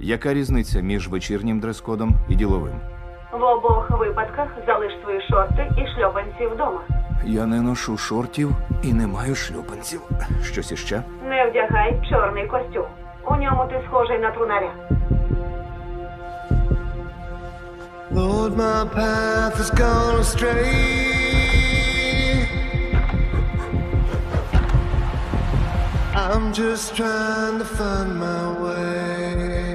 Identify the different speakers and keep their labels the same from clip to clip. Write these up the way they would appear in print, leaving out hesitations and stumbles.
Speaker 1: Яка різниця між вечірнім дрес-кодом і діловим?
Speaker 2: В обох випадках залиш свої шорти і шльопанці вдома.
Speaker 1: Я не ношу шортів і не маю шлюпанців. Щось іще?
Speaker 2: Не вдягай чорний костюм. У ньому ти схожий на трунаря.
Speaker 3: Lord, my path has gone astray. I'm just trying to find my way.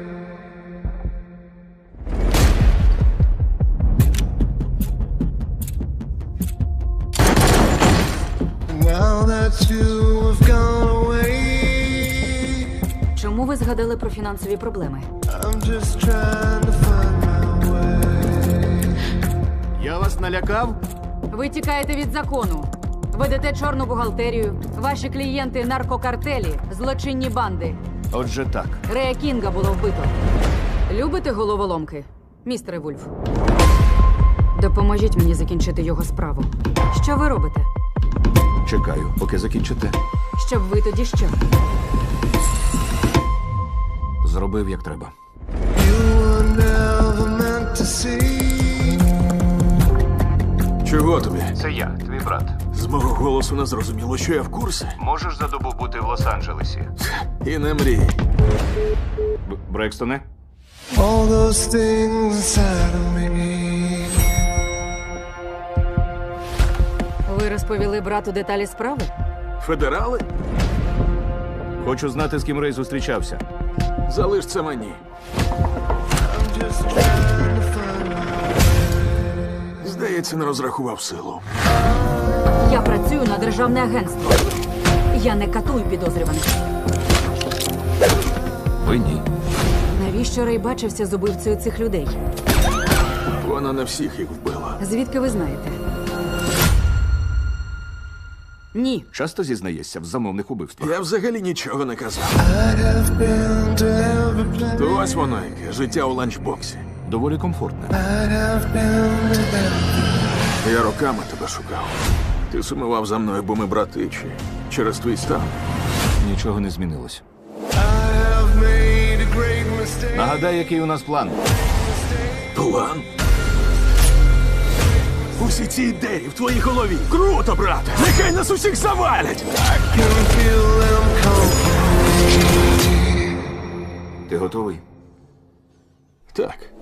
Speaker 3: Now that you have gone away,
Speaker 4: Чому ви згадали про фінансові проблеми?
Speaker 3: I'm just trying to find my way.
Speaker 1: Я вас налякав?
Speaker 4: Ви тікаєте від закону. Ведете чорну бухгалтерію. Ваші клієнти – наркокартелі, злочинні банди.
Speaker 1: Отже так.
Speaker 4: Рея Кінга було вбито. Любите головоломки, містере Вульф? Допоможіть мені закінчити його справу. Що ви робите?
Speaker 1: Чекаю, поки закінчите.
Speaker 4: Щоб ви тоді що?
Speaker 1: Зробив, як треба.
Speaker 3: You were never meant to see.
Speaker 5: Чого тобі?
Speaker 1: Це я, твій брат.
Speaker 5: З мого голосу не зрозуміло, що я в курсі.
Speaker 1: Можеш за добу бути в Лос-Анджелесі?
Speaker 5: І не мрій.
Speaker 1: Брекстоне?
Speaker 3: All those things inside of me.
Speaker 4: Ви розповіли брату деталі справи?
Speaker 5: Федерали?
Speaker 1: Хочу знати, з ким Рей зустрічався.
Speaker 5: Залиш це мені.
Speaker 3: I'm just trying to find my
Speaker 5: Здається, не розрахував силу.
Speaker 4: Я працюю на державне агентство. Я не катую підозрюваних.
Speaker 1: Ви ні.
Speaker 4: Навіщо Рей бачився з убивцею цих людей?
Speaker 5: Вона не всіх їх вбила.
Speaker 4: Звідки ви знаєте? Ні.
Speaker 1: Часто зізнаєшся в замовних убивствах.
Speaker 5: Я взагалі нічого не казав.
Speaker 3: I'd have been to every place.
Speaker 5: То ось воно яке, життя у ланчбоксі.
Speaker 1: Доволі комфортне.
Speaker 3: I'd have been to every.
Speaker 5: Я роками тебе шукав. Ти сумував за мною, бо ми брати, чи через твій стан.
Speaker 1: Нічого не змінилось.
Speaker 3: I have made a great mistake.
Speaker 1: Нагадай, який у нас план.
Speaker 5: План? Усі ці ідеї в твоїй голові. Круто, брате! Нехай нас усіх завалять!
Speaker 3: I can feel them come.
Speaker 1: Ти готовий?
Speaker 5: Так.